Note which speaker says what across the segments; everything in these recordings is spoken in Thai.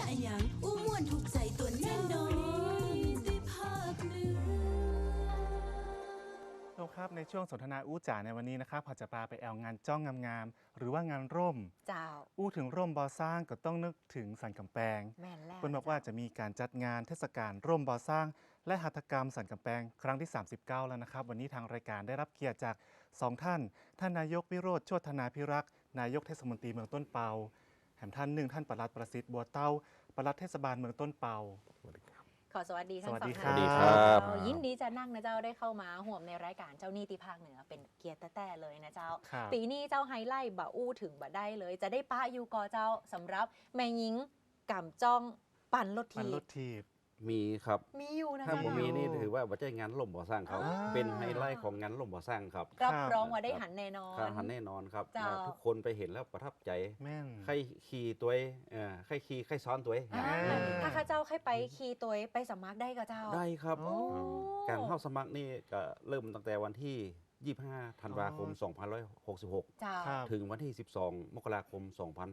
Speaker 1: อะหยังอู้ม่วนถูกใจตัวแน่นอนได้ภาคเหนือ
Speaker 2: ทุกครับในช่วงสนทนาอู้จ๋าในวันนี้นะครับพอจะพาไปแอลงานจ้องงามๆหรือว่างานร่ม
Speaker 3: เจ้า
Speaker 2: อู้ถึงร่มบอสร้างก็ต้องนึกถึงสันกำแพง
Speaker 3: แม่นแล้ว
Speaker 2: เพิ่นบอกว่าจะมีการจัดงานเทศกาลร่มบอสร้าง และหัตถกรรมสันกำแพงครั้งที่ 39 แล้วนะครับวันนี้ทางรายการได้รับเกียรติจาก2ท่านนายกวิโรจน์โชตินาภิรักษ์นายกเทศมนตรีเมืองต้นเปาแถมท่านหนึ่งท่านปลัดประสิทธิ์บัวเต้าปลัดเทศบาลเมืองต้นเปา
Speaker 3: ขอสวัสดีทั้งสอง
Speaker 2: สวัสดี
Speaker 3: ท่าน
Speaker 2: ครับ
Speaker 3: ยินดีจะนั่งนะเจ้าได้เข้ามาห่วมในรายการเจ้าหนี้ที่ภาคเหนือเป็นเกียรติแต่เลยนะเจ้า
Speaker 2: ครับ
Speaker 3: ปีนี้เจ้าไฮไลท์บะอู้ถึงบะได้เลย จะได้ป้ายูกอเจ้าสำหรับแม่หญิงกำจ้องปั่นรถ
Speaker 2: มัน
Speaker 3: ที
Speaker 2: รถทีบ
Speaker 4: มีครับ
Speaker 3: มีอยู่นะ
Speaker 4: ถ้า
Speaker 3: เจ้า
Speaker 4: ผม
Speaker 3: นะ
Speaker 4: มีนี่ถือว่าบัจจัยงานล่มบ่อสร้างเขา
Speaker 3: อ่า
Speaker 4: เป็นไฮไลท์ของงานล่มบ่อสร้างครับ
Speaker 3: รับรองว่าได้หันแน่นอน
Speaker 4: การหันแน่นอนครับ
Speaker 3: เจ้า
Speaker 4: ทุกคนไปเห็นแล้วประทับใจ
Speaker 2: แม่น
Speaker 4: ใครขี่ตัวใครขี่ใครซ้อนตัว
Speaker 3: อ่า
Speaker 2: อ่า
Speaker 3: ถ้าข้าเจ้าใครไปขี่ตัวไปสมัครได้กับเจ้า
Speaker 4: ได้ครับ
Speaker 2: โอ้
Speaker 4: การเข้าสมัครนี่ก็เริ่มตั้งแต่วันที่ 25 ธันวาคม 2566
Speaker 3: เจ้า
Speaker 2: ครับ
Speaker 4: ถึงวันที่ 12 มกราคม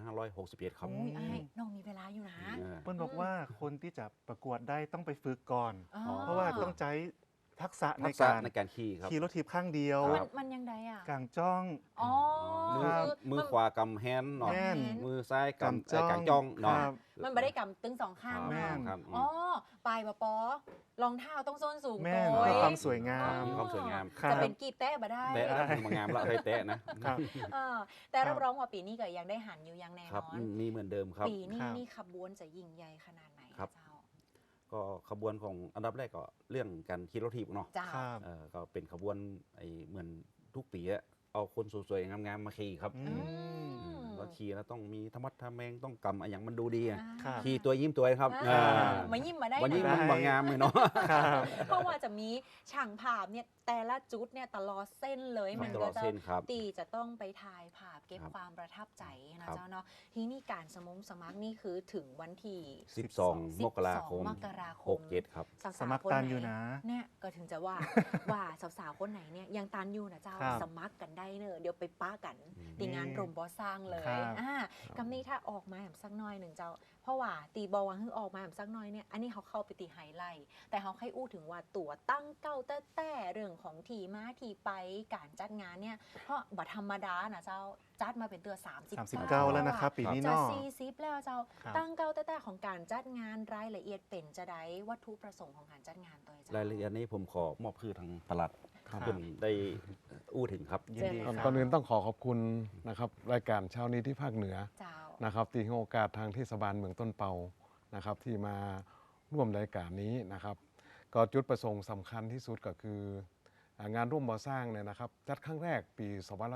Speaker 4: 2561 ครับ
Speaker 3: โอ้ยไอ้น้องมีเวลาอยู่นะ
Speaker 4: อ่า
Speaker 2: เปิ้ลบอกว่าคนที่จะประกวดได้ต้องไปฝึกก่อน
Speaker 3: อ๋อ
Speaker 2: เพราะว่าต้องใช้ทักษะใน
Speaker 4: ทักษะ
Speaker 2: การ
Speaker 4: ในการขี่ครับ
Speaker 2: ขี่รถทีบข้างเดียว
Speaker 4: ครับ
Speaker 3: มันยังไงอ่ะ
Speaker 2: กลางจ้อง
Speaker 3: อ๋อ
Speaker 4: มือ
Speaker 2: ครับ
Speaker 4: มือขวากำแฮนด์หน่อย
Speaker 2: แม่น
Speaker 4: มือซ้ายกำ
Speaker 2: จ้อง
Speaker 4: กางจ้องหน่อย
Speaker 2: ครับ
Speaker 3: มันไม่ได้กำตึงสองข้าง
Speaker 2: แม่น
Speaker 3: เนาะ
Speaker 4: ครับ
Speaker 3: อ๋อปลายปะปอรองเท้าต้องส้นสูง
Speaker 2: แม่น
Speaker 3: โก
Speaker 2: เพื่
Speaker 3: ย
Speaker 2: อความสวยงาม
Speaker 4: มีความสวยงาม
Speaker 2: ครับ
Speaker 3: จะเป็นกีบแตะมาได้
Speaker 4: แตะนะมางามละเคยแตะนะครับ
Speaker 3: เออแต่รับรองว่าปีนี้ก็ยังได้หันอยู่ยังแน่
Speaker 4: ครั
Speaker 3: น
Speaker 4: บ
Speaker 3: อน
Speaker 4: มีเหมือนเดิมครับ
Speaker 3: ปีนี้
Speaker 2: ครับ
Speaker 3: นี่ขบวนจะยิ่งใหญ่ขนาดไหน
Speaker 4: ครับ
Speaker 3: เจ้า
Speaker 4: ก็ขบวนของอันดับแรกก็เรื่องการขี่รถถีบเนาะ
Speaker 3: เจ้า
Speaker 2: ครับ
Speaker 4: ก็เป็นขบวนเหมือนทุกปีอะเอาคนสวยๆงามๆมาขี่ครับ
Speaker 2: อืม
Speaker 4: เราขี่แล้วต้องมีธรรมะทะแมงต้องกำอะไรอย่างมันดูดีอะ
Speaker 2: ครับ
Speaker 4: ขี่ตัวยิ้มตัวครับ
Speaker 3: อ่า
Speaker 4: อ่า
Speaker 3: มายิ้มมาได้
Speaker 4: วันนี้
Speaker 3: นะ
Speaker 4: มันบางงามเลยเนาะ
Speaker 2: ครับ
Speaker 3: เพราะว่าจะมีช่างภาพเนี่ยแต่ละจุดเนี่ยตลอดเส้นเลยมัน
Speaker 4: ตล
Speaker 3: ก็
Speaker 4: อด
Speaker 3: จะ
Speaker 4: เส้นครับ
Speaker 3: ตีจะต้องไปถ่ายภาพเก็บ
Speaker 4: ครับ
Speaker 3: ความประทับใจนะครับ เจ้าเนาะทีนี้การสมัครนี่คือถึงวันที่
Speaker 4: 12 มกราคม
Speaker 3: มกราคม
Speaker 4: 67 ครับ
Speaker 3: สาวๆ
Speaker 2: สมัคร
Speaker 3: คน
Speaker 2: ตัน
Speaker 3: ไห
Speaker 2: อยู่นะ
Speaker 3: เนี่ยก็ถึงจะว่า ว่าสาวๆคนไหนเนี่ยยังตันอยู่นะเจ้า
Speaker 2: ครับ
Speaker 3: สมัครกันได้เนอะเดี๋ยวไปป้ากัน
Speaker 4: อืม
Speaker 3: ตีงานรมบอสร้างเลย
Speaker 2: ครับ
Speaker 3: กำนี้ถ้าออกมาแบบสักหน้อยหนึ่งเจ้า เพราะว่าตีบอวังฮึออกมาแบบสักหน้อยเนี่ยอันนี้เขาเข้าไปตีไฮไลท์แต่เขาให้อู้ถึงว่าตัวตั้งเก้าแต่เรื่องของทีมาทีไปการจัดงานเนี่ยเพราะบัธรรมดานะเจ้าจัดมาเป็นตัว
Speaker 2: 39 แล้วนะครับ ปีนี้
Speaker 3: จะ
Speaker 2: เนาะ
Speaker 3: 40แล้วเจ้า
Speaker 2: ครับ
Speaker 3: ตั้งเก้าแต่ของการจัดงานรายละเอียดเป็นจะได้วัตถุประสงค์ของการจัดงานตัวเจ้า
Speaker 4: รายละเอียดนี้ผมขอมอบคือทางปลัด
Speaker 2: ครับ
Speaker 4: เพื่อนได้อู้ถึงครับ
Speaker 2: ยินดี
Speaker 3: เจ
Speaker 2: ค
Speaker 3: อ
Speaker 2: รับ
Speaker 3: กั
Speaker 5: ก่อนอื่นต้องขอขอบคุณนะครับรายการเช้านี้ที่ภาคเหนือ
Speaker 3: เจ้า
Speaker 5: นะครับที่ให้โอกาสทางเทศบาลเมืองต้นเปานะครับที่มาร่วมรายการนี้นะครับก็จุดประสงค์สำคัญที่สุดก็คืองานร่วมบ่อสร้างเนี่ยนะครับจัดครั้งแรกปี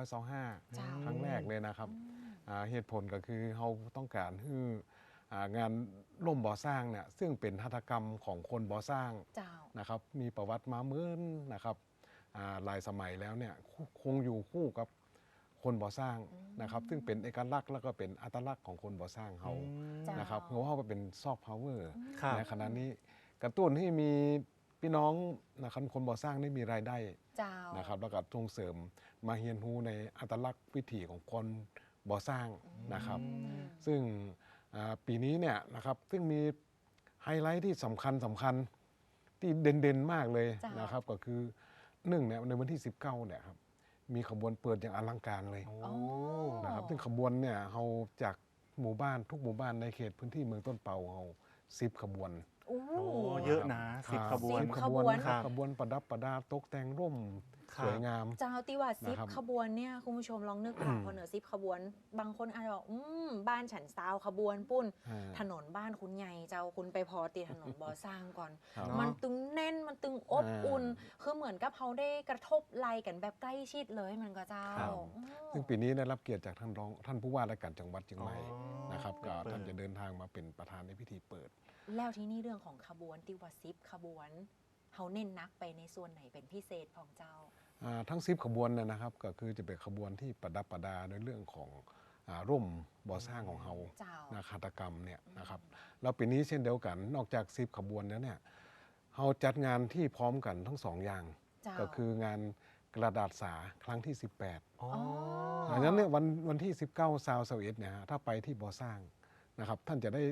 Speaker 5: 2525
Speaker 3: เจ้า
Speaker 5: ครั้งแรกเลยนะครับเหตุผลก็คือเราต้องการให้งานร่วมบ่อสร้างเนี่ยซึ่งเป็นหัตถกรรมของคนบ่อสร้าง
Speaker 3: เจ้า
Speaker 5: นะครับมีประวัติมาเหมือนนะครับหลายสมัยแล้วเนี่ยคงอยู่คู่กับคนบ่อสร้างนะครับซึ่งเป็นเอกลักษณ์แล้วก็เป็นอัตลักษณ์ของคนบ่อสร้างเขา
Speaker 3: จ้ะ
Speaker 5: นะครับเพราะว่าเป็นซอฟต์พาวเวอร์
Speaker 2: ครับ
Speaker 5: ในขณะนี้กระตุ้นให้มีพี่น้องนะครับคนบ่อสร้างได้มีรายได้
Speaker 3: เจ้า
Speaker 5: นะครับแล้วก็ส่งเสริมมาเรียนรู้ในอัตลักษณ์วิถีของคนบ่อสร้างนะครับ ซึ่งปีนี้เนี่ยนะครับซึ่งมีไฮไลท์ที่สำคัญที่เด่นๆมากเลย
Speaker 3: จ้ะ
Speaker 5: นะครับก็คือหนึ่งเนี่ยในวันที่ 19เนี่ยครับมีขบวนเปิดอย่างอลังการเลย
Speaker 2: โอ้
Speaker 3: อ๋อ
Speaker 5: นะครับซึ่งขบวนเนี่ยเราจากหมู่บ้านทุกหมู่บ้านในเขตพื้นที่เมืองต้นเปาเรา10 ขบวน
Speaker 3: โอ้
Speaker 2: โอ้เยอะนะ10 ขบวน
Speaker 5: 10 ขบวนนะค
Speaker 2: ครั
Speaker 5: รับบ ขบวนประดับประดาตกแต่งร่ม
Speaker 2: ครับ
Speaker 5: สวยงาม
Speaker 3: เจ้าที่ว่าซิป
Speaker 5: นะครับ
Speaker 3: ขบวนเนี่ยคุณผู้ชมลองนึกภาพพอเหนือซิปขบวน บางคนอาจจะบอกบ้านฉันซาวขบวนปุ้น
Speaker 5: อ่า
Speaker 3: ถนนบ้านคุณใหญ่เจ้าคุณไปพอตีถนนบ่อสร้างก่อน
Speaker 5: ครับ
Speaker 3: มันตึงแน่นมันตึงอบอุ่น คือเหมือนกับเขาได้กระทบไหลกันแบบใกล้ชิดเลยมันก็เจ้า
Speaker 2: ครับ
Speaker 3: อืม
Speaker 5: ซึ่งปีนี้ได้รับเกียรติจากท่านผู้ว่าราชการจังหวัดเชียงใหม่
Speaker 2: อ๋อ
Speaker 5: นะครับก็
Speaker 2: เปิด
Speaker 5: ท่านจะเดินทางมาเป็นประธานในพิธีเปิด
Speaker 3: แล้วที่นี่เรื่องของขบวนที่ว่าซิปขบวนเขาเน้นนักไปในส่วนไหนเป็นพิเศษของเจ้า
Speaker 5: ทั้ง10 ขบวนเนี่ยนะครับก็คือจะเป็นขบวนที่ประดับประดาในเรื่องของร่มบ่อสร้างของเฮา
Speaker 3: เจ้า
Speaker 5: นะหัตถกรรมเนี่ยนะครับแล้วปีนี้เช่นเดียวกันนอกจาก10 ขบวนแล้วเนี่ยเฮาจัดงานที่พร้อมกันทั้ง2อย่าง
Speaker 3: เจ้า
Speaker 5: ก็คืองานกระดาษสาครั้งที่ 18
Speaker 2: อ๋อ
Speaker 5: ดังนั้นเนี่ยวันที่ 19 21เนี่ยฮะถ้าไปที่บ่อสร้างนะครับท่านจะได้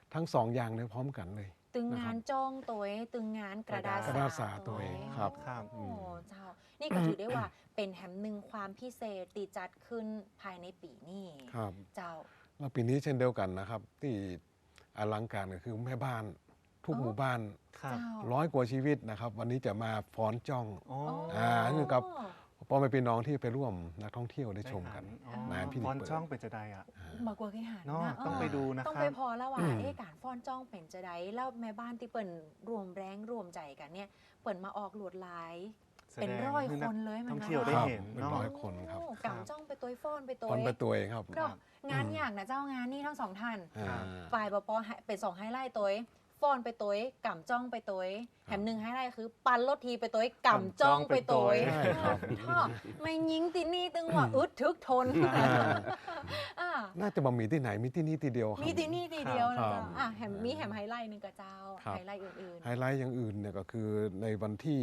Speaker 5: ทั้งสองอย่างเลยพร้อมกันเลย
Speaker 3: ตึงงาน
Speaker 5: นะครับ
Speaker 3: จ้องตัวเองตึงงานกระดาษ
Speaker 5: กระดาษสาตัวเองครับ
Speaker 2: ครับ
Speaker 3: โอ้เจ้า นี่ก็ถือได้ว่าเป็นแหมหนึ่งความพิเศษตีจัดขึ้นภายในปีนี้
Speaker 5: ครับ
Speaker 3: เจ้า
Speaker 5: แล้วปีนี้เช่นเดียวกันนะครับ ที่อลังการก็คือแม่บ้านทุก
Speaker 3: อ๋อ
Speaker 5: หมู่บ้าน
Speaker 2: ครับ
Speaker 3: เจ้า
Speaker 5: ร้อยกว่าชีวิตนะครับ วันนี้จะมาฟ้อนจ้อง
Speaker 2: อ๋อ
Speaker 5: คือกับ พ่อแม่พี่น้องที่ไปร่วมนักท่องเที่ยวได้ชมกัน
Speaker 2: อ๋อ
Speaker 5: นะพี่
Speaker 2: ฟอน
Speaker 5: เปิด
Speaker 2: ช่องเป็นจะได้อ่ะ
Speaker 3: มากกว่าเคยหัน
Speaker 2: เนาะ
Speaker 3: นะ
Speaker 2: ต้องไปดูนะ
Speaker 3: ต้อง
Speaker 2: ครั
Speaker 3: ไป
Speaker 2: บ
Speaker 3: พอแล้วว่าการฟ้อนจ้องเป็นจะได้แล้วแม่บ้านที่เปิ่นรวมแรงรวมใจกันเนี่ยเปิ่นมาออกหลวดลาย เป็นร้อยคนเลยมัน
Speaker 2: ท่องเที่ยวได้
Speaker 5: ครับ
Speaker 2: เห็น
Speaker 5: เป็น
Speaker 2: เนาะ
Speaker 5: ร้อยคนครับ
Speaker 3: โอ้กำจ้องไปตัวฟ้อนไปตัว
Speaker 5: ฟ้อนไปตัวเองครับ
Speaker 3: เนาะงานอย่างนะเจ้างานนี่ทั้งสองท่าน
Speaker 5: อ่า
Speaker 3: ฝ่ายปปเป็น2ไฮไลท์ตัวฟ้อนไปตัวกำจ้องไปตัวแถมหนึ่งไฮไลท์คือปันรถทีไปตัวกำจ้องไปตัว
Speaker 5: ใช่ครับ
Speaker 3: ท่อไม่ยิงตินี่ตึงว่าอึดทึกทน
Speaker 5: อ่า
Speaker 3: อ่า
Speaker 5: น่าจะบ่มีที่ไหนมีที่นี่ที่เดียวครับ
Speaker 3: มีตินี่ทีเดียวนะ
Speaker 5: ครั
Speaker 3: เจ้า
Speaker 5: บ
Speaker 3: อ่ะแถมมีแถมไฮไลท์หนึ่งกับเจ้า
Speaker 5: ครับ
Speaker 3: ไฮไลท์อื่น
Speaker 5: ไฮไลท์อย่างอื่นเนี่ยก็คือในวันที่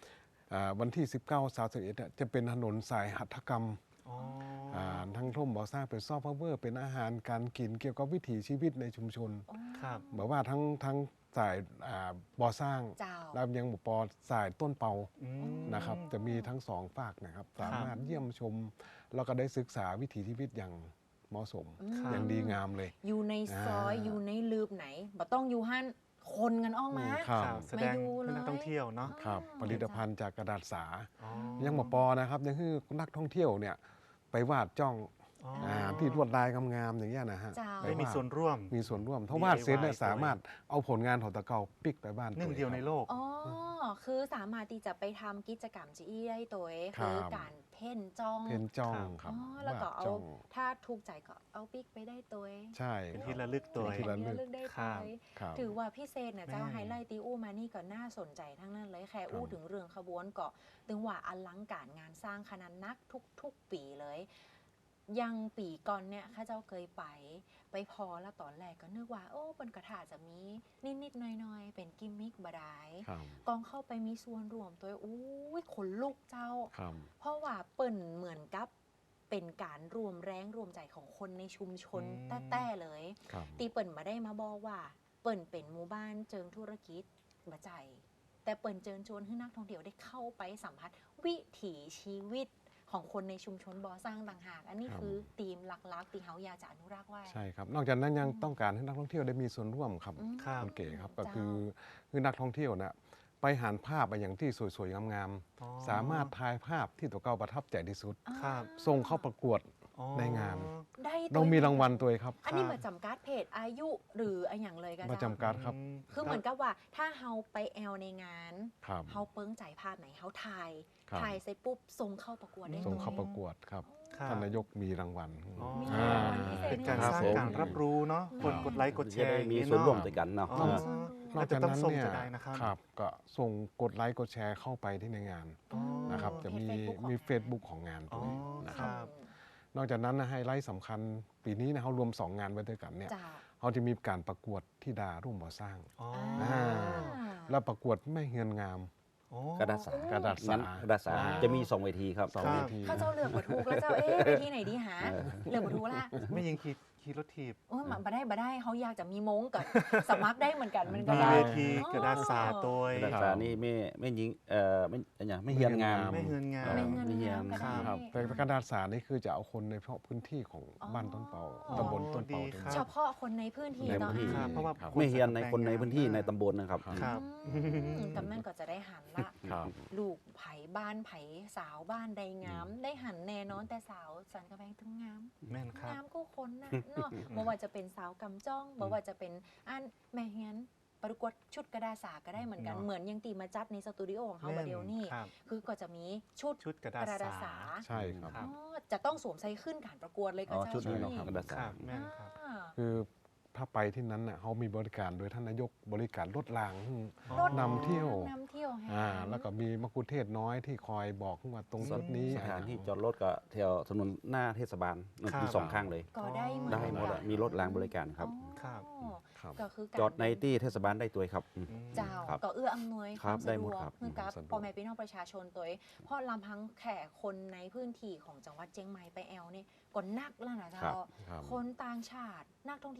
Speaker 5: 19 31เนี่ยจะเป็นถนนสายหัตถกรรม
Speaker 2: อ๋อ
Speaker 5: ทั้งร่มบ่อสร้างเป็นซอฟต์พาวเวอร์เป็นอาหารการกินเกี่ยวกับวิถีชีวิตในชุมชน
Speaker 3: ๆอ๋อ
Speaker 2: ครับ
Speaker 5: แบบว่าทั้งสายบ่อสร้าง
Speaker 3: เจ้า
Speaker 5: แล้วยังบ่ปอสายต้นเปา
Speaker 2: อืม
Speaker 5: นะครับ จะมีทั้งสองฝากนะครับ สามารถเยี่ยมชม แล้วก็ได้ศึกษาวิถีชีวิตอย่างเหมาะสม
Speaker 2: ครับ
Speaker 5: อย่างดีงามเลย
Speaker 3: อยู่ในซอย
Speaker 5: อ่า
Speaker 3: อยู่ในลืบไหนบ่ต้องอยู่หั่นคนกันออกมา
Speaker 5: ครับ
Speaker 2: ครับแสดง
Speaker 3: ไม่ดูเลย
Speaker 2: ให้นักท่องเที่ยวเนาะ
Speaker 5: ครับผลิตภัณฑ์จากกระดาษสา
Speaker 2: อ๋อ
Speaker 5: ยังบ่ปอนะครับยังคือนักท่องเที่ยวเนี่ยไปวาดจ้อง
Speaker 2: อ๋อ
Speaker 5: ที่ลวดลายงามๆอย่างเงี้ยนะฮะ
Speaker 3: เจ้า
Speaker 5: ป
Speaker 2: ได้มี
Speaker 5: วาด
Speaker 2: ส่วนร่วม
Speaker 5: มีส่วนร่วมถ้าวาดเสร็จเนี่ย
Speaker 2: DIY
Speaker 5: สามารถเอาผลงานของตะเกาปิกไปบ้าน
Speaker 2: หนึ่งเดียวในโลก
Speaker 3: อ๋อ คือสามารถที่จะไปทำกิจกรรมจีอี้ได้ตัวเอง
Speaker 5: ครับ
Speaker 3: คือการเพ่นจ้อง
Speaker 5: เพนจ้อง
Speaker 2: ครับ
Speaker 5: ครับ
Speaker 3: อ๋อแล้วก็
Speaker 5: วาด
Speaker 3: เอา
Speaker 5: จ้อง
Speaker 3: ถ้าถูกใจก็เอาปิ๊กไปได้ตัวเอง
Speaker 5: ใช่
Speaker 2: เป็นที่ระลึกตัว
Speaker 5: เป็นที่ระลึก
Speaker 3: เลือกได้
Speaker 2: ครั
Speaker 3: ตั
Speaker 2: บ
Speaker 3: วเอง
Speaker 5: ครับ
Speaker 3: ถือว่าพิเศษนะเจ้า
Speaker 2: แม่
Speaker 3: ไฮไลท์ตีอู้มานี่ก็น่าสนใจทั้งนั้นเลยแค่อู้
Speaker 5: ครับ
Speaker 3: ถึงเรื่องขบวนก็ถึงว่าอลังการงานสร้างขนาดนักทุกปีเลย ยังปีก่อนเนี่ยข้าเจ้าเคยไปพอแล้วตอนแรกก็นึกว่าโอ้บนกระถาจะมีนิดๆหน่อยๆเป็นกิมมิคบดาย
Speaker 5: ครับ
Speaker 3: กองเข้าไปมีส่วนรวมตัวอุ้ยขนลุกเจ้า
Speaker 5: ครับ
Speaker 3: เพราะว่าเปิ่นเหมือนกับเป็นการรวมแรงรวมใจของคนในชุมชน
Speaker 2: อืม
Speaker 3: แต้ๆเลย
Speaker 5: ครับ
Speaker 3: ตีเปิ่นมาได้มาบอกว่า เปิ่นเป็นหมู่บ้านเจิงธุรกิจบะใจ แต่เปิ่นเจิญชวนให้นักท่องเที่ยวได้เข้าไปสัมผัสวิถีชีวิตของคนในชุมชนบ่อสร้างต่างหาก อันนี้
Speaker 5: ครับ
Speaker 3: คือธีมหลักๆที่เฮาอยากจะอนุรักษ์ไว้
Speaker 5: ใช่ครับ นอกจากนั้นยังต้องการให้นักท่องเที่ยวได้มีส่วนร่วมครับ
Speaker 3: อืม
Speaker 2: ครับ
Speaker 5: คุณเก๋ครับก็
Speaker 3: เจ้า
Speaker 5: คือนักท่องเที่ยวนะไปหาภาพไปอย่างที่สวยๆงาม
Speaker 2: อ๋อ
Speaker 5: ๆสามารถถ่ายภาพที่ตัวเก่าประทับใจที่สุด
Speaker 2: ครับ
Speaker 5: ส่งเข้าประกวด
Speaker 2: อ๋อ
Speaker 5: ในงาน
Speaker 3: ได้ตัว
Speaker 5: เรามีรางวัลตัวเองครับ
Speaker 3: อันนี้
Speaker 2: ครับ
Speaker 3: มาจำกัดเพศอายุหรืออะไรอย่างเลยกัน
Speaker 5: มาจำกัดครับ
Speaker 3: คือเหมือนกับว่าถ้าเฮาไปแอลในงาน
Speaker 5: ครับ
Speaker 3: เฮาเปิ้งใจภาพไหนเฮาถ่าย
Speaker 5: ครับ
Speaker 3: ถ่ายเสร็จปุ๊บส่งเข้าประกวดได้
Speaker 5: ส่ง
Speaker 3: ลย
Speaker 5: เข้าประกวดครับ
Speaker 2: ครับ
Speaker 5: ท่านนายกมีรางวัล
Speaker 2: อ๋อ
Speaker 3: มี
Speaker 5: อ่า
Speaker 3: รางวัลพิเศษ
Speaker 2: เป็นการ
Speaker 5: ครับ
Speaker 2: สร้าง
Speaker 5: ผม
Speaker 2: การรับรู้เนาะคน
Speaker 3: ครับ
Speaker 2: กดไลค์กดแช
Speaker 4: จะ
Speaker 2: ร์
Speaker 4: ได้
Speaker 2: อย่าง
Speaker 4: มี
Speaker 2: นี้
Speaker 4: ส่วนร่วม
Speaker 2: เนาะ
Speaker 4: ด้วยกันเนาะ
Speaker 2: อ๋อ
Speaker 5: นอกจากนั้นเนี่ย
Speaker 2: อาจจะต้องส่งจะได้นะครับ
Speaker 5: ครับก็ส่งกดไลค์กดแชร์เข้าไปที่ในงาน
Speaker 2: อ๋อ
Speaker 5: นะครับ จะมี
Speaker 3: เพจ Facebook ของงาน
Speaker 5: เฟซบุ๊กของงาน
Speaker 2: อ๋
Speaker 5: ตั
Speaker 2: อ
Speaker 5: วนี้นะ
Speaker 2: ค
Speaker 5: ครับ
Speaker 2: รับ
Speaker 5: นอกจากนั้นนะไฮไลท์สำคัญปีนี้นะเขารวม 2 งานไว้ด้วยกันเนี่ย
Speaker 3: จ้า
Speaker 5: เขาจะมีการประกวดที่ดาร่วมบ่อสร้าง
Speaker 2: อ๋อ
Speaker 5: อ่า แล้วประกวดแม่เฮือนงาม
Speaker 2: อ๋อ
Speaker 4: กระดาษสาก
Speaker 5: ระดาษสา
Speaker 4: งั้นกระดาษสา
Speaker 2: อ่า
Speaker 4: จะมี2เวทีครับ
Speaker 5: สอง
Speaker 2: ครับ
Speaker 5: เวที
Speaker 3: เขาเจ้าเลือกบัถูกแล้วเจ้าไปที่ไหนดีหาเลือกบัถูกละ
Speaker 2: ไม่ยิงขี่รถถีบ
Speaker 3: โอ้ยมาได้เขาอยากจะมีมงกับ สมัครได้เหมือนกันมันก็
Speaker 2: มี
Speaker 3: ได้
Speaker 2: เวทีกระดาษสาตัว
Speaker 4: กระดาษสานี่ไม่ยิงไม่เฮียนงาม
Speaker 2: ไม่เฮือนงาม
Speaker 3: ไม่เงิน
Speaker 4: ไม่เฮียน
Speaker 3: งามก็ได้
Speaker 5: ครับแต่กระดาษสารนี่คือจะเอาคนในเฉพาะพื้นที่ของบ้านต้นเปา
Speaker 3: อ๋อ
Speaker 5: ตำบลต้นเปา
Speaker 2: ดีครับ
Speaker 3: เฉพาะคนในพื้นที่
Speaker 4: ใน
Speaker 3: ต่อ
Speaker 4: พื้นที่
Speaker 2: ครับเพราะว่า
Speaker 5: ครับ
Speaker 4: ไม่เฮียนในคนในพื้นที่ในตำบลนะครับ
Speaker 2: ครับ
Speaker 3: กำนันก็จะได้หันละ
Speaker 5: ครับ
Speaker 3: ลูกไผ่บ้านไผ่สาวบ้านใดงาม ได้หันแน่นอนแต่สาวสันกระแพงถึงงาม
Speaker 2: แม่นครับ
Speaker 3: งามก็คนนะเนาะบ่ว่าจะเป็นสาวกำจ้องบ่ว่าจะเป็นอันแม่เฮียนประกวดชุดกระดาษสาก็ได้เหมือนกัน
Speaker 2: เนาะ
Speaker 3: เหมือนยังตีมาจัดในสตูดิโอของเขาบาเดียวนี่
Speaker 2: ครับ
Speaker 3: คือก็จะมีชุด
Speaker 2: ชุดกระดาษ
Speaker 3: กระดาษ
Speaker 2: สา
Speaker 3: สา
Speaker 5: ใช่ครับ
Speaker 2: ครับ
Speaker 3: อ๋อจะต้องสวมใส่ขึ้นการประกวดเลยก็
Speaker 4: อ๋อ
Speaker 3: เจ้า
Speaker 4: ชุดนี้เนาะ
Speaker 3: นี่
Speaker 4: กระดาษ
Speaker 2: ค
Speaker 4: สา
Speaker 2: รับแม่นครับ
Speaker 3: อ่า
Speaker 5: คือถ้าไปที่นั้นน่ะเขามีบริการโดยท่านนายกบริการรถราง
Speaker 3: รถ
Speaker 5: นำเที่ยว
Speaker 3: นำเที่ยวแห่
Speaker 5: แล้วก็มีมะกุเทศน้อยที่คอยบอกว่าตรงจุดนี้
Speaker 4: สถานที่จอดรถก็แถวถนนหน้าเทศบาล
Speaker 2: ครับ
Speaker 4: มี2ข้างเลย
Speaker 3: ก็ได้เหมือน
Speaker 4: ได้หมด
Speaker 3: กั
Speaker 4: อะ
Speaker 3: น
Speaker 4: มีรถรางบริการครับ
Speaker 2: ครับ
Speaker 3: อ๋อ
Speaker 5: ครับ
Speaker 3: ก็คือการ
Speaker 4: จอดในที่เทศบาลได้ตัวครับ
Speaker 3: เจ้า
Speaker 4: ครับ
Speaker 3: ก็เอื้ออำนวยค
Speaker 4: ครั
Speaker 3: วา
Speaker 4: บ
Speaker 3: ม
Speaker 4: ได้
Speaker 3: สะด
Speaker 4: หม
Speaker 3: ว
Speaker 4: ด
Speaker 3: ก
Speaker 4: ครับ
Speaker 3: เพื่อกับ
Speaker 5: สะดวก
Speaker 3: พ่อแม่พี่น้องประชาชนตัวเองเพราะลำพังแขกคนในพื้นที่ของจังหวัดเชียงใหม่ไปแอลนี่ก็นักแล้วนะเจ้า
Speaker 4: ครับ
Speaker 5: ครับ
Speaker 3: คนต่างชาตินักท่องเที่ยวต่างจัง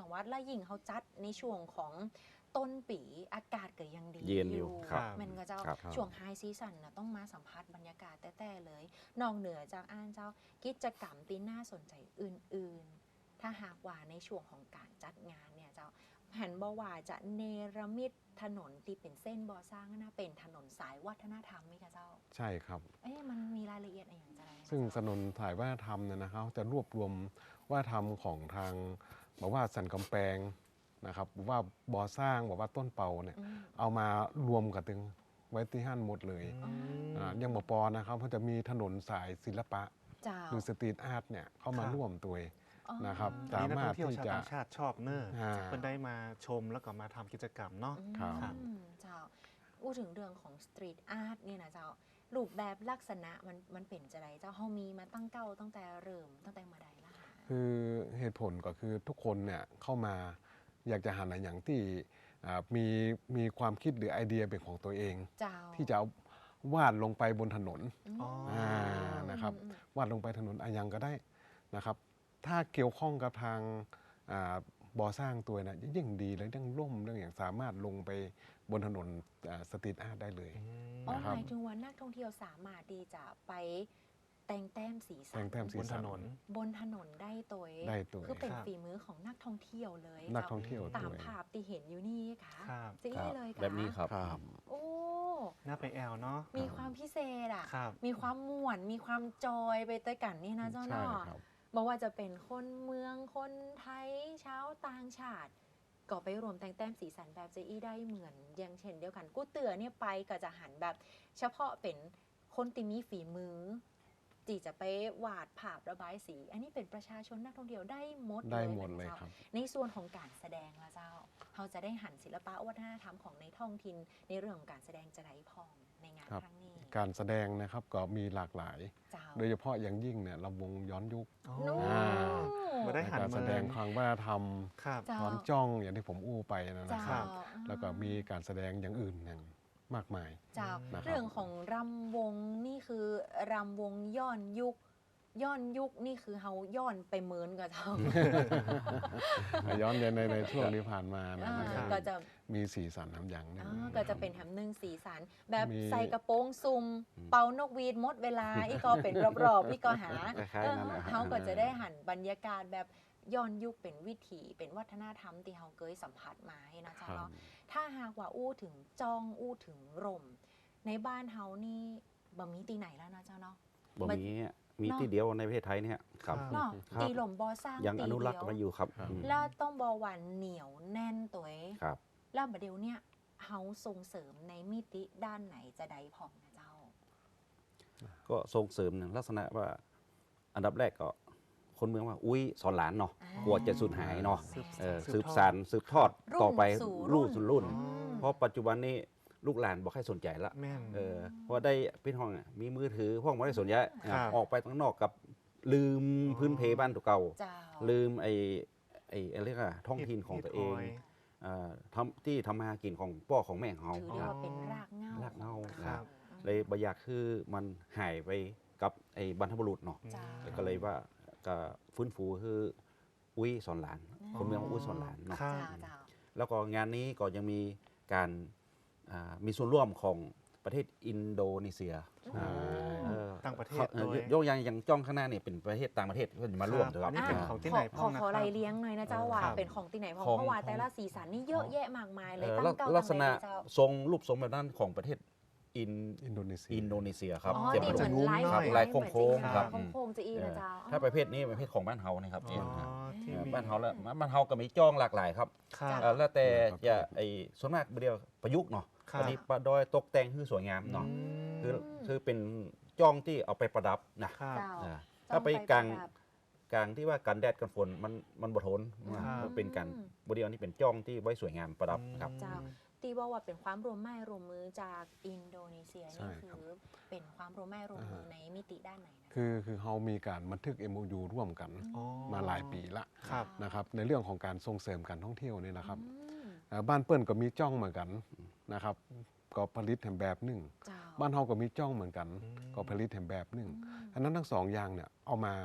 Speaker 3: จังหวัดและยิ่งเขาจัดในช่วงของต้นปีอากาศก็ยังดี
Speaker 4: เย็นอยู่ครับ
Speaker 3: มันก็เจ้า
Speaker 4: ครับ
Speaker 3: ช่วงไฮซีซันนะต้องมาสัมผัสบรรยากาศแต่เลย นอกเหนือจากเจ้ากิจกรรมที่น่าสนใจอื่นๆ ถ้าหากว่าในช่วงของการจัดงานเนี่ยเจ้าหันบอกว่าจะเนรมิตถนนที่เป็นเส้นบ่อสร้างนะเป็นถนนสายวัฒนธรรมไหมคะเจ้า
Speaker 5: ใช่ครับ
Speaker 3: มันมีรายละเอียดอะไรอย่างไรนะ
Speaker 5: ซึ่งถ
Speaker 3: เจ้า
Speaker 5: นนสายวัฒนธรรมเนี่ยนะครับจะรวบรวมวัฒนธรรมของทางบอกว่าสันกำแพงนะครับบอกว่าบ่อสร้างบอกว่าต้นเป่าเนี่ย
Speaker 3: อืม
Speaker 5: เอามารวมกันตึงไว้ที่ห้านหมดเลย ยังบ่ปอนะครับเพราะจะมีถนนสายศิลปะ
Speaker 3: เจ้า
Speaker 5: หรือสตรีทอาร์ตเนี่ยเข้ามา
Speaker 2: ครับ
Speaker 5: ร่วมตัวเอง
Speaker 3: อ๋อ
Speaker 5: นะครับ
Speaker 2: อันนี้นัก
Speaker 5: สามาร
Speaker 2: ท่
Speaker 5: ถ
Speaker 2: องเที่ยว
Speaker 5: ที่
Speaker 2: ชาว
Speaker 5: จะ
Speaker 2: ต่างชาติชอบเนอะ
Speaker 5: อ่า
Speaker 2: เพิ่นได้มาชมแล้วก็มาทำกิจกรรมเนาะ
Speaker 5: ครับ
Speaker 3: เจ้าพูดถึงเรื่องของสตรีทอาร์ตเนี่ยนะเจ้ารูปแบบลักษณะมันเป็นจะไรเจ้าเฮามีมาตั้งเก้าตั้งแต่เริ่มตั้งแต่เมื่อใดล่ะคะ
Speaker 5: คือเหตุผลก็คือทุกคนเนี่ยเข้ามาอยากจะหาอะไรอย่างที่มีความคิดหรือไอเดียเป็นของตัวเอง
Speaker 3: เจ้า
Speaker 5: ที่จะเอาวาดลงไปบนถนน
Speaker 2: อ๋อ
Speaker 5: นะครับ
Speaker 3: อืม
Speaker 5: วาดลงไปถนนอายังก็ได้นะครับ ถ้าเกี่ยวข้องกับทางบ่อสร้างตัวนะยิ่งดีเลยเรื่องร่มเรื่องอย่างสามารถลงไปบนถนนสตรีทอาร์ตได้เลย
Speaker 3: อ๋อ
Speaker 5: นะครั
Speaker 3: ห
Speaker 5: บ
Speaker 3: มายถึงว่านักท่องเที่ยวสามารถที่จะไปแต่งแต้มสีสั
Speaker 5: แต่งแต้มสี
Speaker 2: บนถนน
Speaker 3: บนถนนได้ตัวเอง
Speaker 5: ได้ตัว
Speaker 3: คือเป็น
Speaker 2: ครับ
Speaker 3: ฝีมือของนักท่องเที่ยวเลย
Speaker 5: นัก
Speaker 3: เจ้า
Speaker 5: ท่องเที่ยว
Speaker 3: ตาม
Speaker 5: ด้วย
Speaker 3: ภาพที่เห็นอยู่นี่ค่ะ
Speaker 2: ครับ
Speaker 3: จะ
Speaker 4: ครั
Speaker 3: อี้
Speaker 4: บ
Speaker 3: เลยค่ะ
Speaker 4: แบบนี้ครับ
Speaker 5: ครับ
Speaker 3: โอ้
Speaker 2: น่าไปแอลเนาะ
Speaker 3: มีความพิเศษอ่ะ
Speaker 2: ครับ
Speaker 3: มีความม่วน มีความจอยไปด้วยกันนี่นะเจ้า
Speaker 5: ใช่
Speaker 3: เนาะ
Speaker 5: ครับ
Speaker 3: บอกว่าจะเป็นคนเมืองคนไทยชาวต่างชาติ ก็ไปรวมแต่งแต้มสีสันแบบเจอี้ได้เหมือนอย่างเช่นเดียวกันกู้เตือเนี่ยไปก็จะหันแบบ เฉพาะเป็นคนที่มีฝีมือที่จะไปวาดภาพระบายสี อันนี้เป็นประชาชนนักท่องเที่ยวได้หมด
Speaker 5: ได้
Speaker 3: เลย
Speaker 5: หมด
Speaker 3: นะ
Speaker 5: เลย
Speaker 3: เจ้า
Speaker 5: ครับ
Speaker 3: ในส่วนของการแสดงละเจ้าเราจะได้หันศิลปะวัฒนธรรมของในท้องถิ่นในเรื่องของการแสดงจะได้พองในงาน
Speaker 5: ครับ
Speaker 3: ครั้งนี้
Speaker 5: การแสดงนะครับก็มีหลากหลาย
Speaker 3: เจ้า
Speaker 5: โดยเฉพาะอย่างยิ่งเนี่ยลำวงย้อนยุค
Speaker 2: อ๋อ
Speaker 3: นู่
Speaker 5: อ่า
Speaker 2: มาได้
Speaker 5: ใน
Speaker 2: หัน
Speaker 5: การ
Speaker 2: มา
Speaker 5: แสดงความวัฒนธรรม
Speaker 2: ครับ
Speaker 3: เจ้า
Speaker 5: ย้อนจ้องอย่างที่ผมอู้ไปนะ
Speaker 3: เจ้า
Speaker 5: ครับ
Speaker 3: อ่า
Speaker 5: แล้วก็มีการแสดงอย่างอื่นอย่างมากมาย
Speaker 3: เจ้า
Speaker 5: นะครับ
Speaker 3: เรื่องของรำวงนี่คือรำวงย้อนยุคนี่คือเฮาย้อนไปเหมือนกับเจ้า
Speaker 5: ย้อนในช่วงที่ผ่านมานะ
Speaker 3: อ่า
Speaker 5: ครับ
Speaker 3: ก็จะ
Speaker 5: มีสีสันน้ำอย่างหนึง
Speaker 3: ก็จะเป็นแถมหนึ่งสีสัน แบบ
Speaker 5: มี
Speaker 3: ใส่กระโปรงซุ่มเป่านกหวีดหมดเวลา อีกก็เป็นรอบๆอีกก็หา
Speaker 4: คล้ายๆนั่นแหละ
Speaker 3: เฮาก็จะได้หันบรรยากาศแบบย้อนยุคเป็นวิถีเป็นวัฒนธรรมที่เฮาเคยสัมผัสมาให้นะเจ้า
Speaker 5: ครับ
Speaker 3: เนาะถ้าหากว่าอู้ถึงจองอู้ถึงร่ม ในบ้านเฮานี่บ่มีตีไหนแล้วนะเจ้าเนาะ
Speaker 4: บ่มีมีที่เดียวในประเทศไทยเนี่ยครับ
Speaker 3: เนาะ
Speaker 4: ครับ
Speaker 3: ตีหล่มบอสร้าง
Speaker 4: ยัง
Speaker 3: ตี
Speaker 4: อนุรักษ์
Speaker 3: เดียว
Speaker 4: มาอยู่ครับ
Speaker 5: ครับ
Speaker 4: อืม
Speaker 3: แล้วต้องบอวันเหนียวแน่นตัวเอง
Speaker 4: ครับ
Speaker 3: แล้วบัดเดี๋ยวเนี่ยเฮาส่งเสริมในมิติด้านไหนจะได้พองนะเจ้า
Speaker 4: ก็ส่งเสริมลักษณะว่า อันดับแรกก็คนเมืองว่าอุ้ยสอนหลานเนาะ
Speaker 3: อ่าก
Speaker 4: ลัวจะสูญหายเนาะ
Speaker 3: สืบ
Speaker 4: สืบสานสืบทอด
Speaker 3: รุ่น
Speaker 4: ต่อไป
Speaker 3: สู่
Speaker 4: รุ่นสู่รุ่น
Speaker 3: อืม
Speaker 4: เพราะปัจจุบันนี้ลูกหลานบอกให้สนใจละ
Speaker 2: แม่น
Speaker 4: เพราะได้พี่ห้องอะมีมือถือห้องไม่ได้สนใจ
Speaker 2: ครับ
Speaker 4: ออกไปข้างนอกกับลืมพื้นเพบ้านตัวเก่า
Speaker 3: เจ้า
Speaker 4: ลืมไอ้เรียกว่าท้องถิ่นของตัวเองที่ทำมาหากินของพ่อของแม่ของเขา
Speaker 3: ถือได้ว่าเป็นรากเหง้าร
Speaker 4: ากเหง้า
Speaker 3: ของ
Speaker 2: ครับ
Speaker 4: เลยบอยากคือมันหายไปกับไอ้บรรพบุรุษเนาะ
Speaker 3: เจ้า
Speaker 4: แล้วก็เลยว่าก็ฟื้นฟูคืออุ้ยสอนหลาน คนเมืองว่าอุ้ยสอนหลานเนาะ
Speaker 2: ครับ
Speaker 3: เจ้า
Speaker 4: แล้วก็งานนี้ก็ยังมีการมีส่วนร่วมของประเทศอินโดนีเซีย
Speaker 5: อ่า
Speaker 4: เออ
Speaker 2: ต่างประเทศ
Speaker 4: เขา
Speaker 2: ด้วย
Speaker 4: ยกอย่างจ้องข้างหน้าเนี่ยเป็นประเทศต่างประเทศเพื่อนมาร่วม
Speaker 2: ครับ
Speaker 4: ด้วย
Speaker 2: อันนี้
Speaker 4: ค
Speaker 2: เป็น
Speaker 4: รับ
Speaker 2: ของที่ไหน
Speaker 3: ขอ
Speaker 2: นะ
Speaker 3: ขอ
Speaker 2: ค
Speaker 3: ไร
Speaker 2: รับ
Speaker 3: เลี้ยงหน่อยนะเจ้าว่า
Speaker 2: ครับ
Speaker 3: เป็นของที่ไหนเพราะ
Speaker 4: ของ
Speaker 3: เพราะว่าแต่ละสีสันนี่เยอะแยะมากมายเลย
Speaker 4: ลั
Speaker 3: ตั้งเก้า
Speaker 4: ลั
Speaker 3: ตั้
Speaker 4: ก
Speaker 3: ง
Speaker 4: ษ
Speaker 3: ไหน
Speaker 4: ณะ
Speaker 3: เจ้า
Speaker 4: ทรงรูปทรงแบบนั้นของประเทศอิน
Speaker 5: อินโดนีเซีย
Speaker 4: อินโดนีเซียครับ
Speaker 3: อ๋อ
Speaker 4: เจ็บ
Speaker 3: ที่
Speaker 4: ป
Speaker 3: เห
Speaker 4: ระ
Speaker 3: มือน
Speaker 4: ดุ
Speaker 3: ไลฟ์
Speaker 4: ครับ
Speaker 3: ไล
Speaker 4: ลาย
Speaker 3: ฟ์
Speaker 4: โค้งๆครับ
Speaker 3: โค้งๆจะอีนะเจ้า
Speaker 4: ถ้าประเภทนี้เป็นประเภทของบ้านเฮานะครับ
Speaker 2: อ๋อที่มี
Speaker 4: บ้านเฮาแล้วบ้านเฮาก็มีจ้องหลากหลายครับ
Speaker 2: ครับ
Speaker 4: แล้วแต่
Speaker 5: ครับ
Speaker 4: จะไอ้ส่วนมากเดียวประยุกต์เนาะ
Speaker 2: ครับ
Speaker 4: อันนี้ประดอยตกแต่งคือสวยงามเนาะ
Speaker 2: อืม
Speaker 4: คือเป็นจ้องที่เอาไปประดับนะครับ
Speaker 3: เจ้า
Speaker 4: อ่า
Speaker 3: จ้
Speaker 4: ถ้า
Speaker 3: อง
Speaker 4: ไป
Speaker 3: ไป
Speaker 4: กลาง
Speaker 3: ประดับ
Speaker 4: กลางที่ว่ากันแดดกันฝนมันบ่ทน
Speaker 2: ครับ
Speaker 4: มันเป็นการบริเวณนี้เป็นจ้องที่ไว้สวยงามประดับครับ
Speaker 3: เจ้า ตีบอกว่าเป็นความร่วมไม้ร่วมมือจากอินโดนีเซีย
Speaker 5: ใช่
Speaker 3: นี่
Speaker 5: ครับ
Speaker 3: คือเป็นความร่วมไม้ร่วมมือในมิติด้านไหนนะ
Speaker 5: คือเขามีการบันทึก MOU ร่วมกัน
Speaker 2: อ๋อ
Speaker 5: มาหลายปีละ
Speaker 2: ครับ
Speaker 5: นะครับในเรื่องของการส่งเสริมการท่องเที่ยวนี่นะครับ
Speaker 3: อืม
Speaker 5: บ้านเปิ้ลก็มีจ้องเหมือนกันนะครับก็ผลิตแถมแบบหนึ่ง
Speaker 3: เจ้า
Speaker 5: บ้านเฮาก็มีจ้องเหมือนกัน
Speaker 2: อืม
Speaker 5: ก็ผลิตแถมแบบหนึ่งอันนั้นทั้งสองอย่างเนี่ยเอามา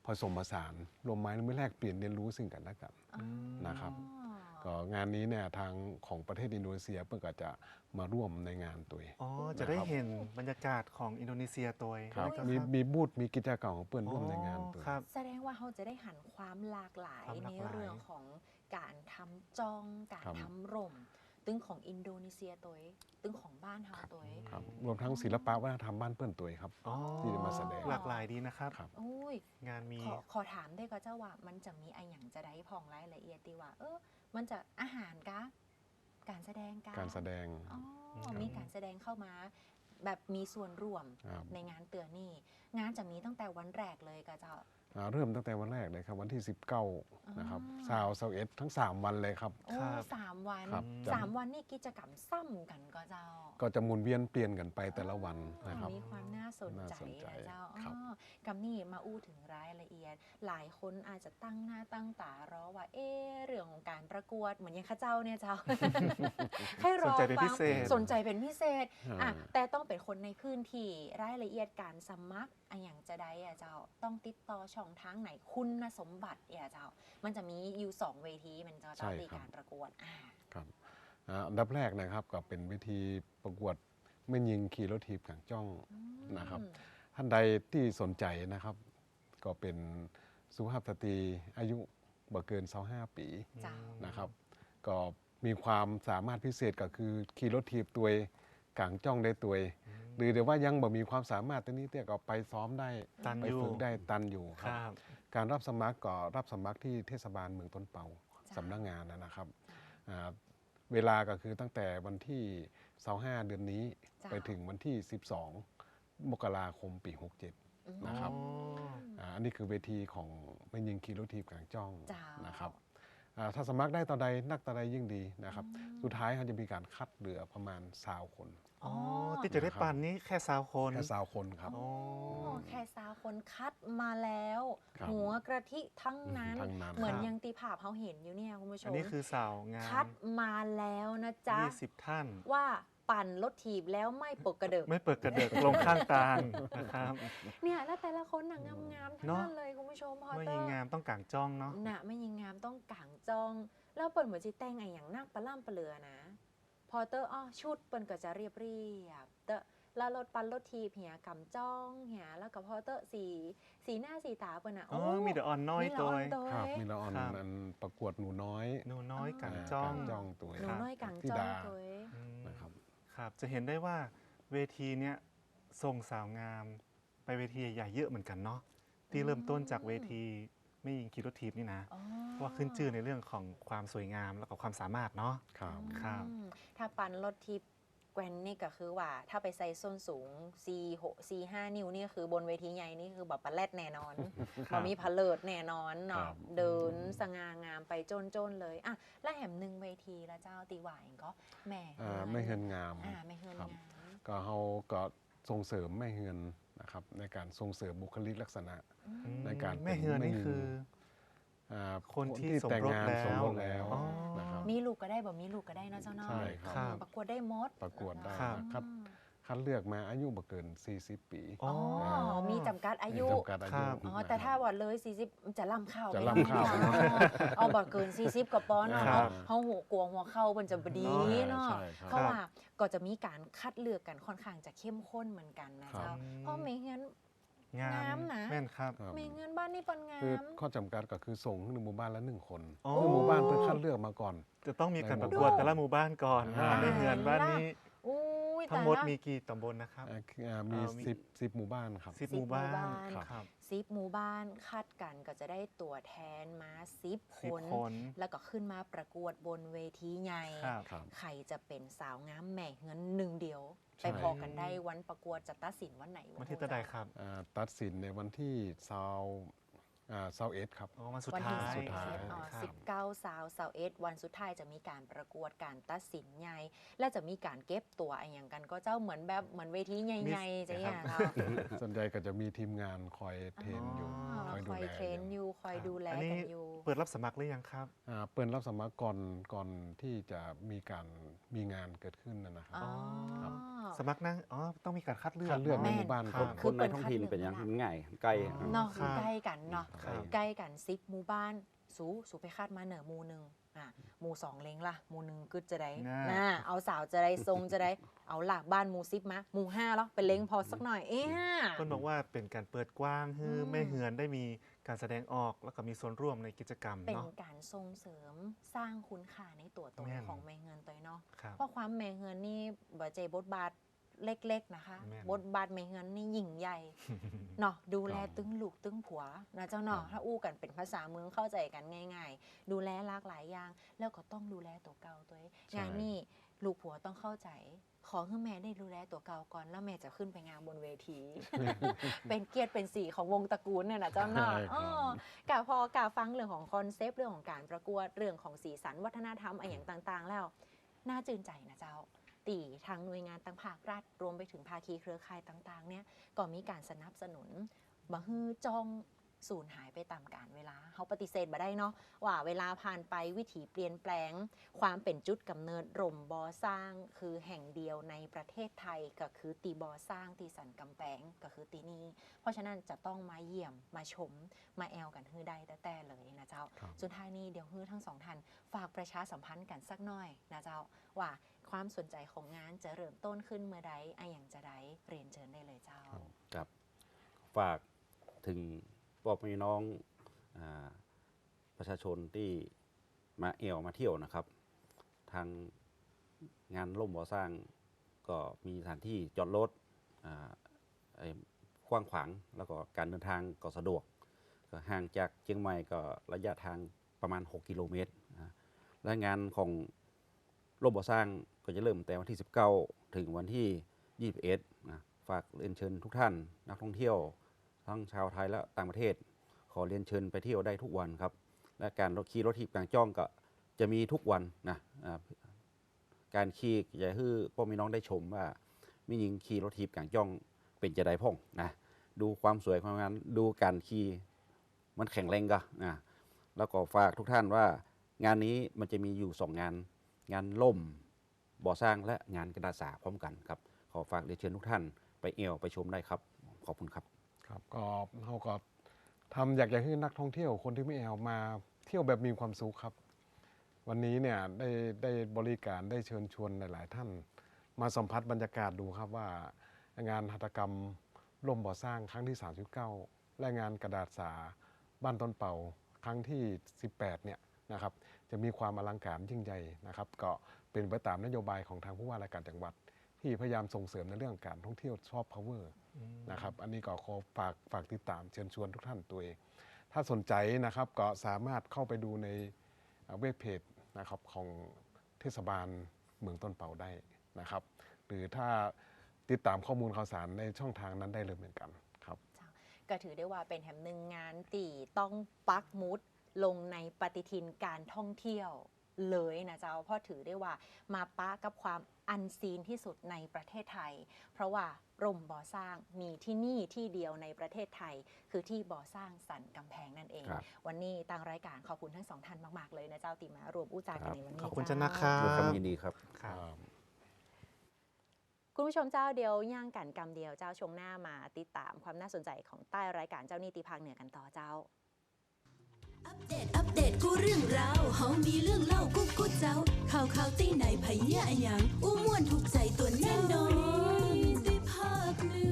Speaker 5: ผสมผสานรวมไม้มือแลกเปลี่ยนเรียนรู้ซึ่งกันและกัน
Speaker 3: อ๋อ
Speaker 5: นะครับ ก็งานนี้เนี่ยทางของประเทศอินโดนีเซียเพื่อก็จะมาร่วมในงานตัวเอง
Speaker 2: อ๋อ จะได้เห็นบรรยากาศของอินโดนีเซียตัว
Speaker 5: ครับ
Speaker 2: แล้วก็
Speaker 5: มีบูธมีกิจกรรมของเพื่อนร่วมในงานตัว
Speaker 2: ครับ
Speaker 3: แสดงว่าเขาจะได้หันความหลากหลาย
Speaker 2: ความห
Speaker 3: ใน
Speaker 2: ลากหลาย
Speaker 3: เรื่องของการทำจองการ
Speaker 5: ครับ
Speaker 3: ทำร่ม ตึงของอินโดนีเซียตัวเองตึงของบ้านเฮาตัวเอง
Speaker 5: ครับรวมทั้งศิลปะวัฒนธรรมบ้านเพื่อนตัวเองครับ
Speaker 2: อ๋อ
Speaker 5: ที่จะมาแสดง
Speaker 2: หลากหลายดีนะครับ
Speaker 5: ครับ
Speaker 3: โอ้ย
Speaker 2: งานมี
Speaker 3: ขอถามได้ก็เจ้าว่ามันจะมีไออย่างจะได้พองรายละเอียดตีว่า มันจะอาหารกะการแสดงกะ
Speaker 5: การแสดง
Speaker 3: อ๋อ
Speaker 2: ครับ
Speaker 3: มีการแสดงเข้ามา แบบมีส่วนร่วม
Speaker 5: ครับ
Speaker 3: ในงานเตือนนี่ งานจะมีตั้งแต่วันแรกเลยก็เจ้า
Speaker 5: เริ่มตั้งแต่วันแรกเลยครับวันที่ 19 นะครับ
Speaker 3: อ๋อ
Speaker 5: ซาวเสาร์เอ็ดทั้ง 3 วันเลยครับ
Speaker 3: โอ้
Speaker 2: ครับ
Speaker 3: 3 วัน
Speaker 5: ครับ
Speaker 3: 3 วันนี่กิจกรรมซ้ำกันก็เจ้า
Speaker 5: ก็จะหมุนเวียนเปลี่ยนกันไปแต่ละวันนะครับ
Speaker 3: มีความน่าสน
Speaker 5: น่า
Speaker 3: ใจ
Speaker 5: สนใจ
Speaker 3: นะเจ้า
Speaker 5: ครับ
Speaker 3: กับนี่มาอู้ถึงรายละเอียด หลายคนอาจจะตั้งหน้าตั้งตารอว่า เรื่องของการประกวดเหมือนอยังข้าเจ้าเนี่ยเจ้า ให้รอ
Speaker 2: สนใจเป็น
Speaker 3: ฟั
Speaker 2: พิ
Speaker 3: ง
Speaker 2: เศษ
Speaker 3: สนใจเป็นพิเศษ
Speaker 5: อ่า
Speaker 3: แต่ต้องเป็นคนในพื้นที่รายละเอียดการสมัครอย่างจะได้เจ้า ต้องติดต่อช่องทางไหนคุณสมบัติเจ้า มันจะมีอยู่2 เวทีมันจะ
Speaker 5: ใช่
Speaker 3: ต้องมี
Speaker 5: ครับ
Speaker 3: การประกวด
Speaker 5: ครับอันดับแรกนะครับก็เป็นวิธีประกวดไม่ยิงขี่รถถีบขังจ้อง นะครับ ท่านใดที่สนใจนะครับ ก็เป็นสุภาพสตรีอายุบ่เกิน25 ปี
Speaker 3: เจ้า
Speaker 5: นะครับ ก็มีความสามารถพิเศษก็คือขี่รถถีบตัวเองกางจ้องได้ตัวเองหรือเดี๋ยวว่ายังบ่มีความสามารถตัวนี้เนี่ยก็ไปซ้อมได้
Speaker 2: ตัน
Speaker 5: ไป
Speaker 2: อยู่
Speaker 5: ฝึกได้ตันอยู่ค
Speaker 2: ครับ รับ
Speaker 5: การรับสมัครก็รับสมัครที่เทศบาลเมืองต้นเปา
Speaker 3: จ้ะ
Speaker 5: สำนักงานนะครับอ่าเวลาก็คือตั้งแต่วันที่25เดือนนี้
Speaker 3: จ้ะ
Speaker 5: ไปถึงวันที่ 12 มกราคมปี 67 นะครับ อันนี้คือเวทีของไม่ยิงคีโรทีบกลางจ้อง
Speaker 3: จ้าน
Speaker 5: นะครับถ้าสมัครได้ต่อใดนักต่อใดยิ่งดีนะครับ สุดท้ายเขาจะมีการคัดเหลือประมาณ20 คน
Speaker 2: อ๋อ ที่จะได้ปันนี่แค่20 คน
Speaker 5: แค่20 คนครับ
Speaker 2: อ๋อ
Speaker 3: แค่3 คนคัดมาแล้ว
Speaker 5: ครับ
Speaker 3: หัวกระทิทั้งนั้น
Speaker 5: ทั้งนั้น
Speaker 3: เหมือน
Speaker 2: ครับ
Speaker 3: ยังตีภาพเขาเห็นอยู่เนี่ยคุณผู้ช
Speaker 2: อัน
Speaker 3: ม
Speaker 2: นี้คือสาวงาม
Speaker 3: คัดมาแล้วนะจ๊ะ
Speaker 2: 20 ท่าน
Speaker 3: ว่าปั่นรถถีบแล้วไม่ปกกระเดิก
Speaker 2: ไม่เปิดกระเดิกลงข้างตางนะครับ
Speaker 3: เนี่ยแล้วแต่ละคนน่ะงามๆทั้ง
Speaker 2: เนอะ
Speaker 3: นั้นเลยคุณผู้ชมพอ
Speaker 2: เมื่อ
Speaker 3: เตอ
Speaker 2: ยิง
Speaker 3: ร์
Speaker 2: งามต้องกางจ้องเนาะ
Speaker 3: น่ะไม่ยิงงามต้องกางจอง แล้วเปิดเหมือนจีแต่งไงอย่างนักปลาล่ำปลาเรือนะ พอเตอร์ชุดเปิ้นก็จะเรียบเตอร์แล้วรถปันรถทีบเหียกำจ้องเหียแล้วก็พอเตอร์สีหน้าสีตาเปิ้นอ่ะ
Speaker 2: อ๋อ มีเดอะออนน้อย
Speaker 3: มีละ
Speaker 2: ตัว
Speaker 3: อ่อนตัว
Speaker 5: ครับมีละออน
Speaker 2: ครับ
Speaker 5: อันประกวดหนูน้อย
Speaker 2: หนูน้อยกาง
Speaker 5: อ่า
Speaker 2: จ้อง
Speaker 5: กางจ้องตัว
Speaker 3: หนูน้อยกาง
Speaker 5: ธิ
Speaker 3: จ้อง
Speaker 5: ดา
Speaker 3: ตัวเอง
Speaker 2: อืม
Speaker 5: นะครับ
Speaker 2: ครับ จะเห็นได้ว่าเวทีเนี้ยส่งสาวงาม ไปเวทีใหญ่ๆเยอะเหมือนกันเนาะ ที่เริ่มต้นจากเวทีไม่ยิงคีโรทีบนี่นะ
Speaker 3: อ๋อ
Speaker 2: ว่าขึ้นชื่อในเรื่องของความสวยงามแล้วก็ความสามารถเนาะ
Speaker 5: ครับ
Speaker 2: ครับ
Speaker 3: ถ้าปันรถทิปแกวนนี่ก็คือว่าถ้าไปใส่ส้นสูง 4-5 นิ้วนี่คือบนเวทีใหญ่นี่คือแบบปลาแรดแน่นอน
Speaker 2: ครับ
Speaker 3: มีพะเลิดแน่นอน
Speaker 5: ครั
Speaker 3: เนาะ
Speaker 5: บ
Speaker 3: เดินสง่างามไปจนๆเลยอ่ะแล้วแหมหนึ่งเวทีแล้วเจ้าตีหวายก็แหม่
Speaker 5: ไม่เฮินงาม
Speaker 3: ไม่เฮิน
Speaker 5: ครับ
Speaker 3: งาม
Speaker 5: ก็เขาก็ส่งเสริมแม่เฮือนนะครับในการส่งเสริมบุคลิกลักษณะ ในการ
Speaker 2: แม่เฮือนนี่คือ คนที่สม
Speaker 5: แต่ง
Speaker 2: รส
Speaker 5: งาน
Speaker 2: แล้ว
Speaker 5: สมรสแล้ว
Speaker 2: อ๋อ
Speaker 5: นะครับ
Speaker 3: มีลูกก็ได้บ่มีลูกก็ได้เนาะเจ้าเนาะ
Speaker 5: ใช่ครับ
Speaker 2: ครับ
Speaker 3: ประกวดได้หมด
Speaker 5: ประกวดได้
Speaker 2: ครับ
Speaker 5: นะครับคัดเลือกมาอายุบ่เกิน 40 ปี
Speaker 2: อ๋อ
Speaker 3: มีจำกัดอายุ
Speaker 5: จำกัดอายุ
Speaker 2: ครับ
Speaker 3: แต่ถ้าว่าเลย 40 จะล่ำเข้า
Speaker 5: จะล่ำเข้า
Speaker 3: เอาบ่เกิน 40กับปอนเนาะ
Speaker 2: ครับ
Speaker 3: เฮาหัวกลัวหัวเข้ามันจะบดีเนาะ
Speaker 5: ใช่ครับ
Speaker 3: เพราะว่าก็จะมีการคัดเลือกกันค่อนข้างจะเข้มข้นเหมือนกันนะเจ้า
Speaker 2: ครับ
Speaker 3: เพราะไม่งั้น
Speaker 2: งาม
Speaker 3: งามนะ
Speaker 2: แม่นครับ
Speaker 5: ครับ
Speaker 3: ไม่งั้นบ้านนี่ปนงา
Speaker 5: คือ
Speaker 3: ม
Speaker 5: ข้อจำกัดก็คือส่งหนึ่งหมู่บ้านละ1 คน
Speaker 2: อ๋อ
Speaker 5: คือหมู่บ้านเพื่อคัดเลือกมาก่อน
Speaker 2: จะต้องมีการ
Speaker 5: ใน
Speaker 2: ป
Speaker 5: หมู่
Speaker 2: ระกวด
Speaker 5: บ้าน
Speaker 2: แต่ละหมู่บ้านก่อน
Speaker 5: อ่า
Speaker 2: ไม่เฮือนบ้านนี้
Speaker 3: อุ้ย
Speaker 2: ทั้งหมด
Speaker 3: แต่ละ
Speaker 2: มีกี่ตำบลนะครับ
Speaker 5: มี
Speaker 2: มี
Speaker 5: 10หมู่บ้านครับ
Speaker 2: 10
Speaker 3: 10
Speaker 2: หมู่บ้าน
Speaker 3: หมู่บ้าน
Speaker 2: ครับ
Speaker 3: 10 หมู่บ้านคัดกันก็จะได้ตัวแทนมา10 ค
Speaker 2: 10
Speaker 3: น
Speaker 2: คน
Speaker 3: แล้วก็ขึ้นมาประกวดบนเวทีใหญ่
Speaker 2: ครับ
Speaker 5: ครับ
Speaker 3: ใครจะเป็นสาวงามแหม่เงินหนึ่งเดียว
Speaker 5: ใช่
Speaker 3: ไปพอกันได้วันประกวดจะตัดสินวันไหน
Speaker 2: วันที่ตะใดครับ
Speaker 5: ตัดสินในวันที่21ครับ
Speaker 2: อ๋อวันสุด
Speaker 3: วัน
Speaker 2: ท้า
Speaker 3: ที่
Speaker 2: ย
Speaker 5: สุดท้าย
Speaker 2: ครับ
Speaker 3: 19 21วันสุดท้ายจะมีการประกวดการตัดสินใหญ่และจะมีการเก็บตัวอะไรอย่างกันก็เจ้าเหมือนแบบเหมือนเวทีใหญ่ๆจะอย่างเขา
Speaker 5: ส่วนใหญ่ก็จะมีทีมงานคอยเทรนอยู่
Speaker 3: อ๋อ
Speaker 5: คอยดูแล
Speaker 3: เทรนอยู่คอยดูแล
Speaker 2: อันนี้
Speaker 3: กันอยู่
Speaker 2: เปิดรับสมัครหรือยังครับ
Speaker 5: เปิดรับสมัครก่อนที่จะมีงานเกิดขึ้นนะครับ
Speaker 3: อ๋อ
Speaker 5: ครับ
Speaker 2: สมัครนะอ๋อต้องมีการคัดเลือก
Speaker 5: คัดเลือกใน
Speaker 2: นาะ
Speaker 5: หมู่บ้าน
Speaker 2: ค
Speaker 5: ก่
Speaker 2: รั
Speaker 5: อบ น
Speaker 4: คนในท้องถิ่นเป็นอย่างมันง่ายใกล้
Speaker 3: เนาะ
Speaker 2: ครับ
Speaker 3: ใกล้กันเนาะ
Speaker 2: ครับ
Speaker 3: ใกล้กัน10หมู่บ้านสูไปคาดมาเหนือหมู่หนึ่งหมู่2เล้งล่ะหมู่หนึ่งกึดจะได้
Speaker 2: น่า
Speaker 3: เอาสาวจะได้ทรงจะได้เอาหลากบ้านหมู่10มาหมู่5แล้วเป็นเล้งพอสักหน่อย
Speaker 2: คนบอกว่าเป็นการเปิดกว้างให้แม่เฮือนได้มีการแสดงออกแล้วก็มีส่วนร่วมในกิจกรรม
Speaker 3: เป็น
Speaker 2: เนาะ
Speaker 3: การส่งเสริมสร้างคุณค่าในตัวตน
Speaker 2: แม่น
Speaker 3: ของแม่เงินตัวเนาะ
Speaker 2: ครับ
Speaker 3: เพราะความแม่เงินนี่บ่ใจบทบาทเล็กๆนะคะ
Speaker 2: แม่น
Speaker 3: บทบาทแม่เงินนี่ยิ่งใหญ่ เนาะดูแลตึงลูกตึงผัวนะเจ้าเนาะถ้าอู้กันเป็นภาษาเมืองเข้าใจกันง่าย ๆ ดูแลหลากหลายอย่าง แล้วก็ต้องดูแลตัวเก่าตัวเอง
Speaker 5: ใช่
Speaker 3: งานนี่ลูกผัวต้องเข้าใจ ขอให้แม่ได้ดูแลตัวเก่าก่อนแล้วแม่จะขึ้นไปงานบนเวที เป็นเกียรติเป็นสีของวงตระกูลเนี่ยนะเจ้าเนาะ
Speaker 5: ใช่ครับ
Speaker 3: กะพอกะฟังเรื่องของคอนเซปต์เรื่องของการประกวดเรื่องของสีสันวัฒนธรรมอะไรอย่างต่างๆ แล้วน่าจื่นใจนะเจ้าตีทางหน่วยงานต่างภาครัฐรวมไปถึงภาคีเครือข่ายต่างๆเนี่ยก็มีการสนับสนุนบ่ฮือจ้องสูญหายไปตามกาลเวลาเขาปฏิเสธบ่ได้เนาะว่าเวลาผ่านไปวิถีเปลี่ยนแปลง ความเป็นจุดกำเนิดร่มบอสร้างคือแห่งเดียวในประเทศไทยก็คือตีบอสร้างตีสันกำแพงก็คือตีนี้เพราะฉะนั้นจะต้องมาเยี่ยมมาชมมาแอลกันฮือได้แต่เลยนะเจ้า
Speaker 5: ครับ
Speaker 3: สุดท้ายนี้เดี๋ยวฮือทั้งสองท่านฝากประชาสัมพันธ์กันสักหน่อยนะเจ้าว่าความสนใจของงานจะเริ่มต้นขึ้นเมื่อใดอะอย่างจะได้เรียนเชิญได้เลยเจ้า
Speaker 4: ครับฝากถึงพ่อพี่น้องประชาชนที่มามาเที่ยวนะครับ ทางงานร่มบ่อสร้างก็มีสถานที่จอดรถกว้างขวางแล้วก็การเดินทางก็สะดวกก็ห่างจากเชียงใหม่ก็ระยะทางประมาณ 6 กิโลเมตรและงานของร่มบ่อสร้างก็จะเริ่มแต่วันที่ 19 ถึงวันที่ 21นะฝากเรียนเชิญทุกท่านนักท่องเที่ยวทั้งชาวไทยและต่างประเทศ ขอเรียนเชิญไปเที่ยวได้ทุกวันครับ และการขี่รถถีบกลางจ้องก็จะมีทุกวันนะการขี่จะให้พ่อแม่น้องได้ชมว่ามีหญิงขี่รถถีบกลางจ้องเป็นจะได้พ่องนะดูความสวยความงามดูการขี่มันแข็งแรงก็นะแล้วก็ฝากทุกท่านว่างานนี้มันจะมีอยู่ 2 งานล่มบ่อสร้างและงานกระดาษสาพร้อมกันครับขอฝากเรียนเชิญทุกท่านไปไปชมได้ครับขอบคุณครับ
Speaker 5: ครับก็เราก็อยากจะให้นักท่องเที่ยวคนที่ไม่แอลมาเที่ยวแบบมีความสุขครับ วันนี้เนี่ยได้บริการได้เชิญชวนหลาย ๆ ท่าน มาสัมผัสบรรยากาศดูครับว่างานหัตถกรรมร่มบ่อสร้างครั้งที่ 39 และงานกระดาษสาบ้านต้นเป่าครั้งที่ 18 เนี่ยนะครับจะมีความอลังการยิ่งใหญ่นะครับก็เป็นไปตามนโยบายของทางผู้ว่าราชการจังหวัด ที่พยายามส่งเสริมในเรื่องการท่องเที่ยวซอฟต์พาวเวอร์นะครับอันนี้ก็ขอฝากติดตามเชิญชวนทุกท่านตัวเอง ถ้าสนใจนะครับก็สามารถเข้าไปดูในเว็บเพจนะครับของเทศบาลเมืองต้นเป่าได้นะครับ หรือถ้าติดตามข้อมูลข่าวสารในช่องทางนั้นได้เลยเหมือนกันครับ
Speaker 3: ก็ถือได้ว่าเป็นแห่งหนึ่งงานตีต้องปักหมุดลงในปฏิทินการท่องเที่ยวเลยนะเจ้าเพราะถือได้ว่ามาปะกับความอันซีนที่สุดในประเทศไทย เพราะว่าร่มบ่อสร้างมีที่นี่ที่เดียวในประเทศไทย คือที่บ่อสร้างสันกำแพงนั่นเอง
Speaker 4: ครับ
Speaker 3: วันนี้ทางรายการขอบคุณทั้งสองท่านมากๆเลยนะเจ้าติมารวมอู้จากันในวันนี้
Speaker 2: ขอบคุณ
Speaker 3: เจ้า
Speaker 2: เจ้านะครับ
Speaker 4: ด้วยความยินดีครับ
Speaker 2: ครับ
Speaker 3: คุณผู้ชมเจ้าเดียวย่างกันกำเดียวเจ้าชวงหน้ามาติดตามความน่าสนใจของใต้รายการเจ้านี่ตีภาคเหนือกันต่อเจ้า
Speaker 1: อัปเดตกูเรื่องราวเฮามีเรื่องเล่ากูเจ้า ข่าวตีไหนไผเหี้ยอะหยังอู้ม่วนถูกใจตัวแน่นอนได้ภาคเหนือ